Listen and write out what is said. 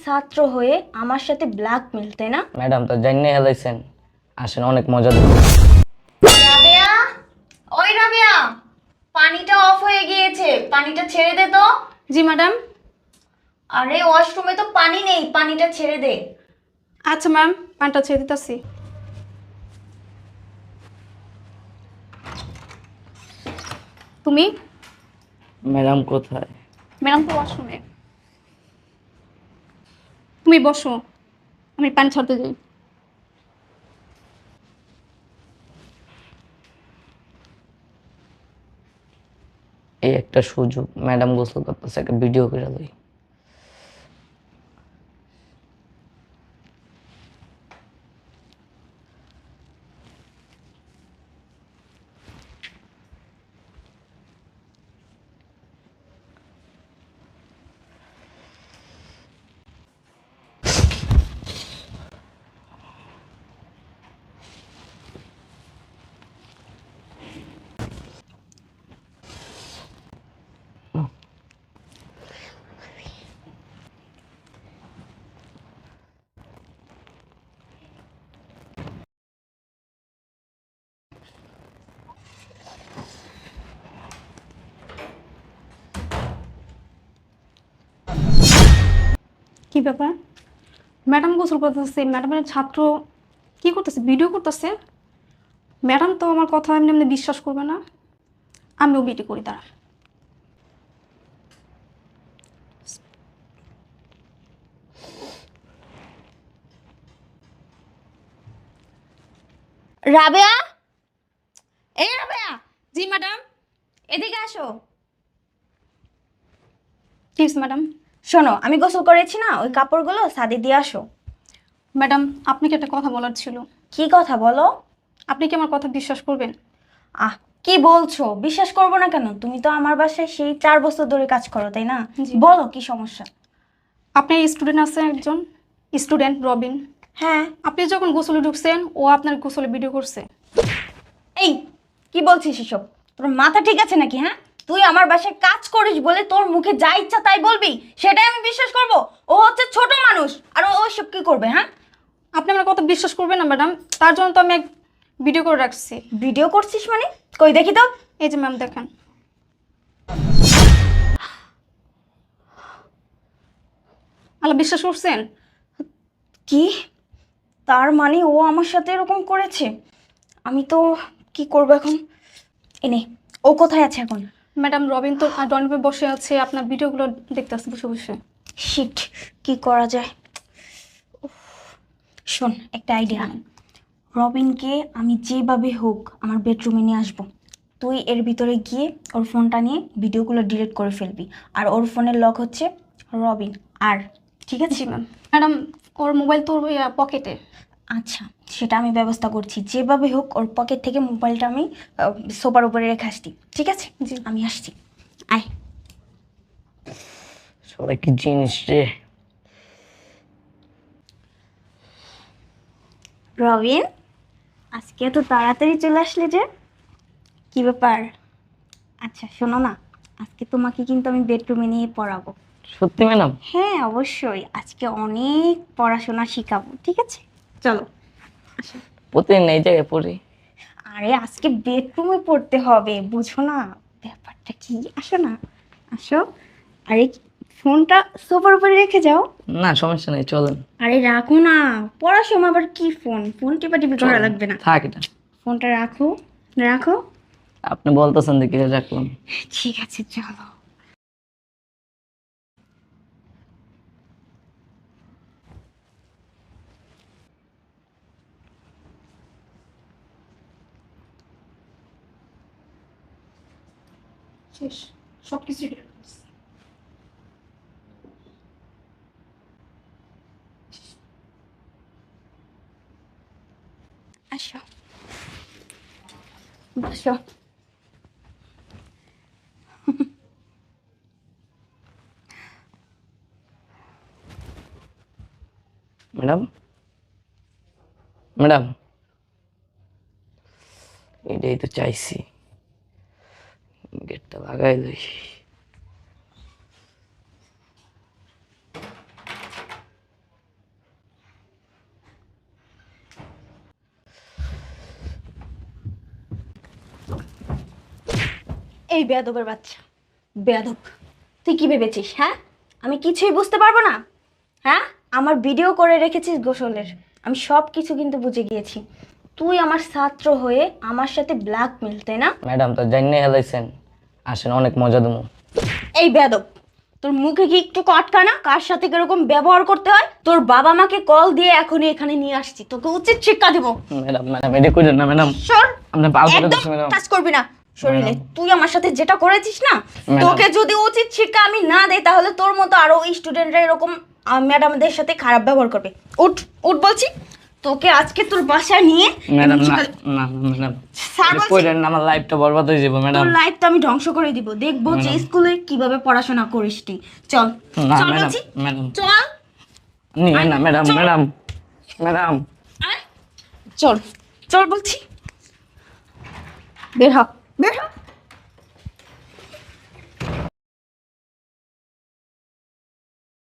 ছাত্র হয়ে আমার সাথে ব্ল্যাকমেল, তাই না? ম্যাডাম তো জানিয়ে হেলাইছেন, আসেন অনেক মজা দেব। রাবেয়া, ওই রাবেয়া, পানিটা অফ হয়ে গিয়েছে, পানিটা ছেড়ে দে তো। জি ম্যাডাম। আরে ওয়াশরুমে তো পানি নেই, পানিটা ছেড়ে দে। আচ্ছা ম্যাম, পানিটা ছেড়ে দিতেছি। তুমি? ম্যাডাম কোথায়? ম্যাডাম তো ওয়াশরুমে। তুমি বসো, আমি পানি ছাড়তে যাই। এই একটা সুযোগ, ম্যাডাম গোসল করতেছে, একটা ভিডিও করে লই। কি ব্যাপার? ম্যাডাম গোসল করতেছে, ম্যাডামের ছাত্র কি করতেছে? ভিডিও করতেছে। ম্যাডাম তো আমার কথা এমনি এমনি বিশ্বাস করবে না। আমিও ভিডিও করি তারা। রাবেয়া, এই রাবেয়া, জি ম্যাডাম। এদিকে আসো। ঠিক আছে ম্যাডাম। শোনো, আমি গোসল করেছি না, ওই কাপড়গুলো ছাদে দিয়ে আসো। ম্যাডাম, আপনাকে একটা কথা বলার ছিল। কি কথা বলো? আপনি কি আমার কথা বিশ্বাস করবেন? আহ, কি বলছো? বিশ্বাস করবো না কেন? তুমি তো আমার বাসায় সেই 4 বছর ধরে কাজ করো, তাই না? জি। বলো কি সমস্যা। আপনার স্টুডেন্ট আছে একজন, স্টুডেন্ট রবিন। হ্যাঁ। আপনি যখন গোসলে ঢুকছেন, ও আপনার গোসলে ভিডিও করছে। এই, কি বলছিস এসব? তোর মাথা ঠিক আছে নাকি? হ্যাঁ, তুই আমার বাসায় কাজ করিস বলে তোর মুখে যা ইচ্ছা তাই বলবি, সেটাই আমি বিশ্বাস করব? ও হচ্ছে ছোট মানুষ, আর ও ওইসব কি করবে? হ্যাঁ, আপনি আমার কথা বিশ্বাস করবেন না ম্যাডাম, তার জন্য তো আমি এক ভিডিও করে রাখছি। ভিডিও করছিস মানে? কই দেখি তো। এই যে ম্যাম দেখেন। আল্লাহ, বিশ্বাস করছেন? কি? তার মানে ও আমার সাথে এরকম করেছে? আমি তো কি করব এখন? এনে, ও কোথায় আছে এখন? ম্যাডাম, রবিন তো ড্রয়িং রুমে বসে আছে, আপনার ভিডিওগুলো দেখতে আসছে বসে বসে। শিট, কি করা যায়? উফ, শোন, একটা আইডিয়া। রবিনকে আমি যেভাবে হোক আমার বেডরুমে নিয়ে আসবো। তুই এর ভিতরে গিয়ে ওর ফোনটা নিয়ে ভিডিওগুলো ডিলিট করে ফেলবি। আর ওর ফোনের লক হচ্ছে রবিন। আর ঠিক আছে? জি ম্যাম। ম্যাডাম, ওর মোবাইল তো পকেটে। আচ্ছা, সেটা আমি ব্যবস্থা করছি। যেভাবে হোক ওর পকেট থেকে মোবাইলটা আমি সোফার উপরে রেখে আসছি। ঠিক আছে? জি। আমি আসছি, আয়। সবাই কি জিনিস রে। রবিন, আজকে এত তাড়াতাড়ি চলে আসলে যে? কি ব্যাপার? আচ্ছা শোনো না, আজকে তোমাকে কিন্তু আমি বেডরুমে নিয়ে পড়াবো। সত্যি ম্যাডাম? হ্যাঁ অবশ্যই, আজকে অনেক পড়াশোনা শিখাবো। ঠিক আছে, চলো আসো। প্রতিদিন এই জায়গায় পড়ি। আরে আজকে বেডরুমে পড়তে হবে, বুঝো না ব্যাপারটা কি? আসো না, আসো। আরে ফোনটা সোফার উপরে রেখে যাও। না সমস্যা নেই, চলেন। আরে রাখো না, পড়ার সময় আবার কি ফোন ফোন টিপাটিপি করা চলেন। লাগবে না। থাক এটা। ফোনটা রাখো, রাখো। আপনি বলতেছেন দেখি রাখলাম। ঠিক আছে চলো। শেষ, সব কিছু। আসো, বসো। ম্যাডাম, ম্যাডাম, এটাই তো চাইছি, গেটটা লাগাই লই। এই বেয়াদবের বাচ্চা, বেয়াদব, তুই কি ভেবেছিস? হ্যাঁ, আমি কিছুই বুঝতে পারবো না? হ্যাঁ, আমার ভিডিও করে রেখেছিস গোসলের, আমি সব কিছু কিন্তু বুঝে গিয়েছি। তুই আমার ছাত্র হয়ে আমার সাথে ব্ল্যাকমেল, তাই না? ম্যাডাম তো জানিয়ে হেলাইছেন, আসেন অনেক মজা দেবো। এই বেয়াদব, তোর মুখে কি একটু কটকা না? কার সাথে কিরকম ব্যবহার করতে হয়? তোর বাবা মাকে কল দিয়ে এখনই এখানে নিয়ে আসছি, তোকে উচিত শিক্ষা দেবো। ম্যাডাম ম্যাডাম এটা করেন না ম্যাডাম, সর, আপনি পাল করে একদম দিচ্ছেন ম্যাডাম। টাচ করবি না শরীরে। ম্যাডাম। তুই আমার সাথে যেটা করেছিস না, ম্যাডাম। তোকে যদি উচিত শিক্ষা আমি না দেই তাহলে তোর মতো আরো স্টুডেন্টরা এরকম ম্যাডামদের সাথে খারাপ ব্যবহার করবে। উঠ উঠ বলছি, তোকে আজকে তোর বাসায় নিয়ে ম্যাডাম আমি না শিক্ষা- না না, ম্যাডাম স্যার এটা বলছি, করেন না, আমার লাইফটা বরবাদ হয়ে যাবে ম্যাডাম। তোর লাইফ তো আমি ধ্বংস করে দিব, দেখবো যে ম্যাডাম। স্কুলে কিভাবে পড়াশোনা করিস তুই। চল না চল ম্যাডাম, বলছি, ম্যাডাম চল নিয়ে না ম্যাডাম, চল। ম্যাডাম ম্যাডাম আয়। চল চল বলছি, বের হ বের হ।